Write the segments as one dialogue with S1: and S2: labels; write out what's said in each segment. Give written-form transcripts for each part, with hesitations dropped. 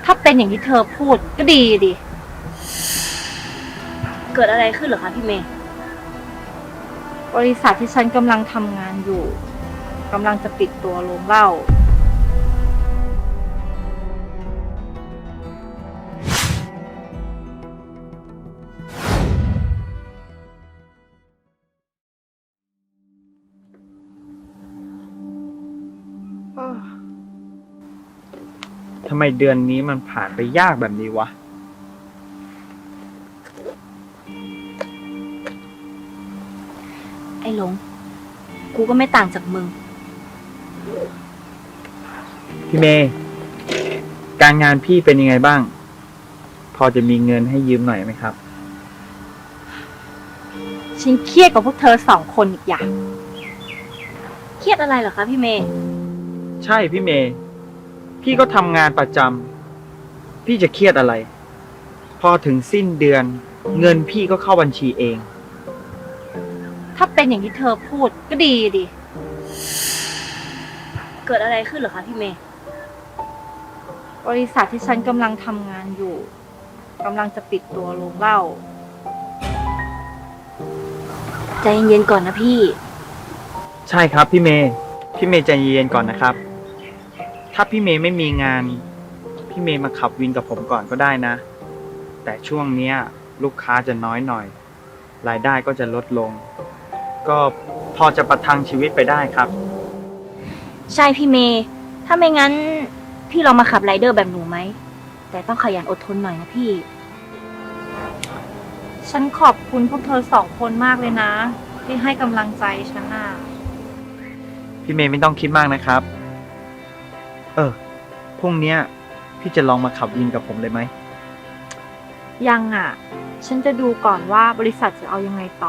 S1: ถ้าเป็นอย่างที่เธอพูดก็ดีดิ
S2: เกิดอะไรขึ้นเหรอคะพี่เมย์
S1: บริษัทที่ฉันกำลังทำงานอยู่กำลังจะปิดตัวโรงเหล้า
S3: ทำไมเดือนนี้มันผ่านไปยากแบบนี้วะ
S2: ไอ้หลงกูก็ไม่ต่างจากมึง
S3: พี่เมย์การงานพี่เป็นยังไงบ้าง พอจะมีเงินให้ยืมหน่อยไหมครับ
S1: ฉันเครียดกับพวกเธอ2 คนอีกอย่าง
S2: เครียดอะไรเหรอคะพี่เมย์
S3: ใช่พี่เมย์พี่ก็ทำงานประจำพี่จะเครียดอะไร พอถึงสิ้นเดือน เงินพี่ก็เข้าบัญชีเอง
S1: ถ้าเป็นอย่างที่เธอพูดก็ดีดิ
S2: เกิดอะไรขึ้นเหรอคะพี่เมย์
S1: บริษัทที่ฉันกำลังทำงานอยู่กำลังจะปิดตัวโรงเหล้า
S2: ใจเย็นๆก่อนนะพี่
S3: ใช่ครับพี่เมย์ใจเย็นๆก่อนนะครับ ถ้าพี่เมย์ไม่มีงาน พี่เมย์มาขับวินกับผมก่อนก็ได้นะ แต่ช่วงเนี้ย ลูกค้าจะน้อยหน่อย รายได้ก็จะลดลง ก็พอจะประทังชีวิตไปได้ครับ
S2: ใช่พี่เมย์ถ้าไม่งั้นพี่ลองมาขับไรเดอร์แบบหนูไหมแต่ต้องขยันอดทนหน่อยนะพี่
S1: ฉันขอบคุณพวกเธอ2 คนมากเลยนะที่ให้กำลังใจฉันน่ะ
S3: พี่เมย์ไม่ต้องคิดมากนะครับ พรุ่งเนี้ยพี่จะลองมาขับวินกับผมเลยไหม
S1: ยังอ่ะ ฉันจะดูก่อนว่าบริษัทจะเอายังไงต่อ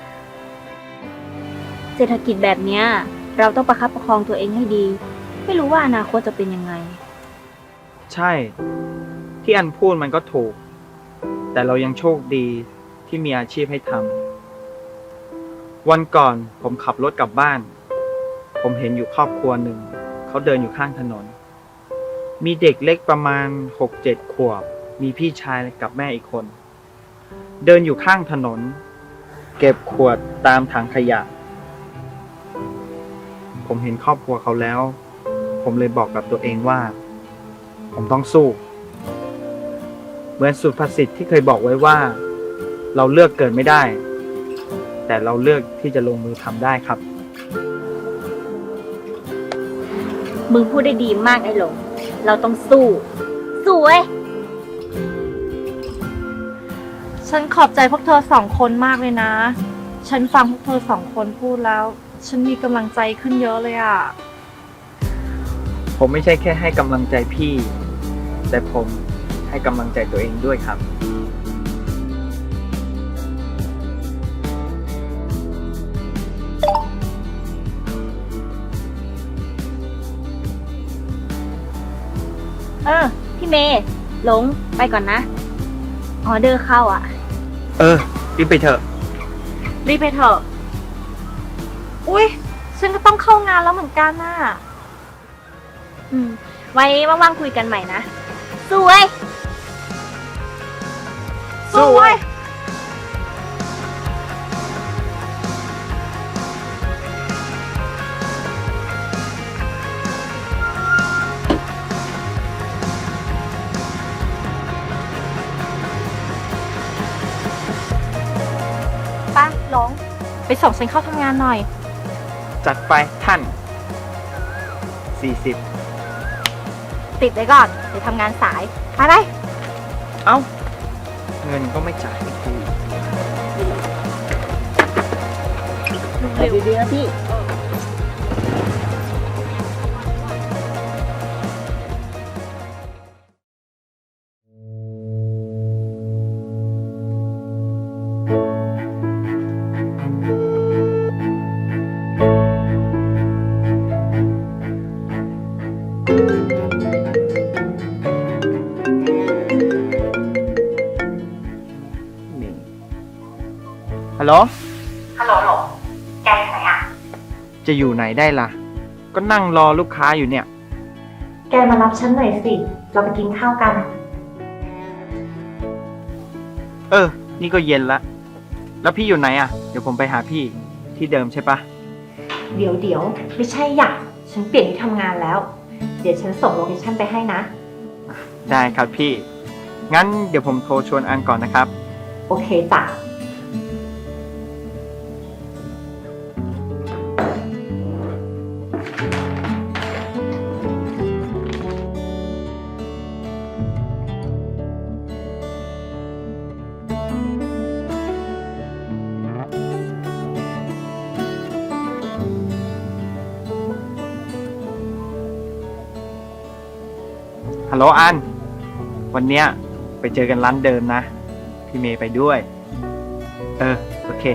S2: เศรษฐกิจแบบเนี้ยเราต้องประคับประคองตัวเองให้ดีไม่รู้ว่าอนาคตจะเป็นยังไง
S3: ใช่ ที่อันพูดมันก็ถูก แต่เรายังโชคดีที่มีอาชีพให้ทำวันก่อนผมขับรถกลับบ้าน ผมเห็นอยู่ครอบครัวหนึ่งเขาเดินอยู่ข้างถนน มีเด็กเล็กประมาณ 6-7 ขวบมีพี่ชายกับแม่อีกคน เดินอยู่ข้างถนน เก็บขวดตามถังขยะ ผมเห็นครอบครัวเขาแล้ว ผมเลยบอกกับตัวเองว่า ผมต้องสู้เหมือนสุภาษิตที่เคยบอกไว้ว่า เราเลือกเกิดไม่ได้ แต่เราเลือกที่จะลงมือทำได้ครับ
S2: มึงพูดได้ดีมากไอ้หลงเราต้องสู้เว้ย
S1: ฉันขอบใจพวกเธอ2 คนมากเลยนะ ฉันฟังพวกเธอ2 คนพูดแล้ว ฉันมีกำลังใจขึ้นเยอะเลยอ่ะ
S3: ผมไม่ใช่แค่ให้กำลังใจพี่ แต่ผมให้กำลังใจตัวเองด้วยครับ
S2: พี่เมย์หลงไปก่อนนะออเดอร์เข้าอ่ะ
S3: รีบไปเถอะ
S1: รีบไปเถอะ อุ๊ย ฉันก็ต้องเข้างานแล้วเหมือนกันน่ะ
S2: ไว้ว่างๆคุยกันใหม่นะสู้เว้ย
S1: สู้เว้ยไปหลง ไปส่งฉันเข้าทำงานหน่อย
S3: จัดไปท่าน 40
S1: ติดไว้ก่อนเดี๋ยวทำงานสาย ไปไป
S3: เอ้า เงินก็ไม่จ่ายให้กู
S2: ไปดีๆนะพี่
S3: ฮัลโหล
S4: ฮัลโหลโหลแกอยู่ไหนอ่ะ
S3: จะอยู่ไหนได้ล่ะ ก็นั่งรอลูกค้าอยู่เนี่ย
S4: แก
S1: แกมารับฉันหน่อยสิ เราไปกินข้าวกัน
S3: นี่ก็เย็นละ แล้วพี่อยู่ไหนอ่ะ เดี๋ยวผมไปหาพี่ที่เดิมใช่ปะ
S1: เดี๋ยวไม่ใช่อยากฉันเปลี่ยนที่ทำงานแล้ว เดี๋ยวฉันส่งโลเคชั่นไปให้นะ
S3: ได้ครับพี่ งั้นเดี๋ยวผมโทรชวนอันก่อนนะครับ
S1: โอเคจ้ะ
S3: ฮัลโหลอัน วันเนี้ยไปเจอกันร้านเดิมนะ พี่เมย์ไปด้วย โอเค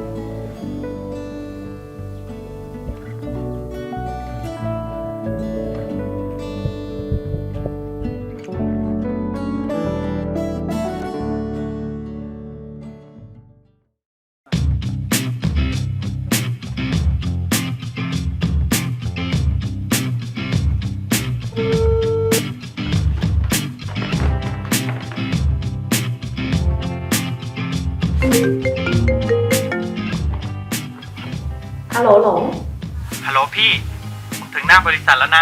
S1: ฮัลโหลหลง
S3: ฮัลโหลพี่ ถึงหน้าบริษัทแล้วนะ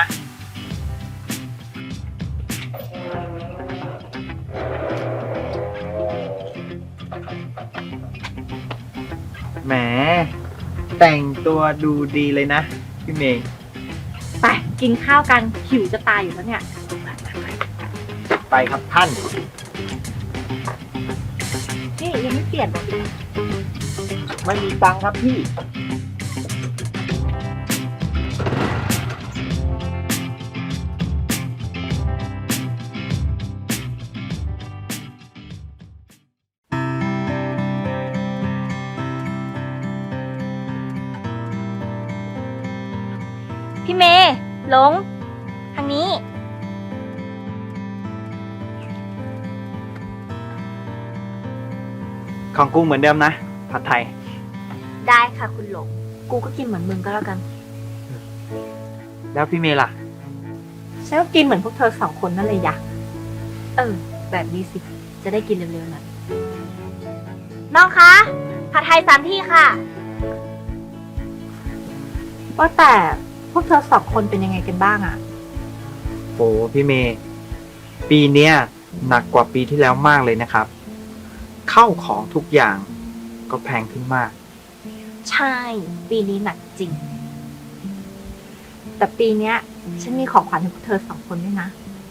S3: แหม แต่งตัวดูดีเลยนะ พี่เมย์
S1: ไปกินข้าวกันหิวจะตายอยู่แล้วเนี่ย
S3: ไปครับท่าน
S1: นี่ยังไม่เปลี่ยน
S3: ไม่มีตังค์ครับพี่
S2: พี่เมย์หลง ทางนี้
S3: ของกูเหมือนเดิมนะ ผัดไทย
S2: ได้ค่ะคุณหลง กูก็กินเหมือนมึงก็แล้วกัน
S3: แล้วพี่เมย์ล่ะ
S1: ฉันก็กินเหมือนพวกเธอสองคนนั่นเลยอยาก
S2: แบบนี้สิ จะได้กินเร็วๆหน่อยน้องคะผัดไทย3 ที่ค่ะ
S1: ว่าแต่พวกเธอสองคนเป็นยังไงกันบ้างอะ
S3: โหพี่เมย์ ปีเนี้ยหนักกว่าปีที่แล้วมากเลยนะครับ เข้าของทุกอย่างก็แพงขึ้นมาก
S2: ใช่ ปีนี้หนักจริง
S1: แต่ปีเนี้ย ฉันมีของขวัญให้พวกเธอสองคนด้วยนะ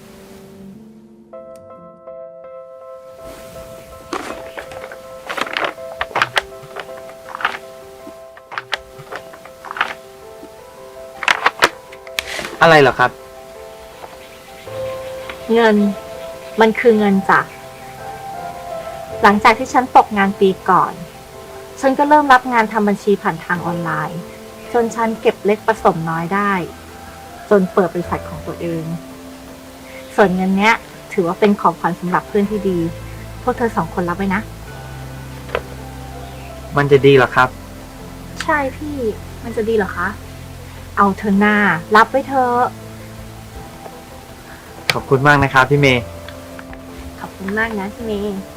S3: อะไรเหรอครับ
S1: เงินมันคือเงินจ้ะหลังจากที่ฉันตกงานปีก่อน ฉันก็เริ่มรับงานทำบัญชีผ่านทางออนไลน์ จนฉันเก็บเล็กผสมน้อยได้ จนเปิดบริษัทของตัวเอง ส่วนเงินเนี้ย ถือว่าเป็นของขวัญสำหรับเพื่อนที่ดี พวกเธอสองคนรับไว้นะ
S3: มันจะดีเหรอครับ
S1: ใช่พี่ มันจะดีเหรอคะ เอาเธอหน้า รับไว้เธอะ
S3: ขอบคุณมากนะครับพี่เมย์
S2: ขอบคุณมากนะพี่เมย์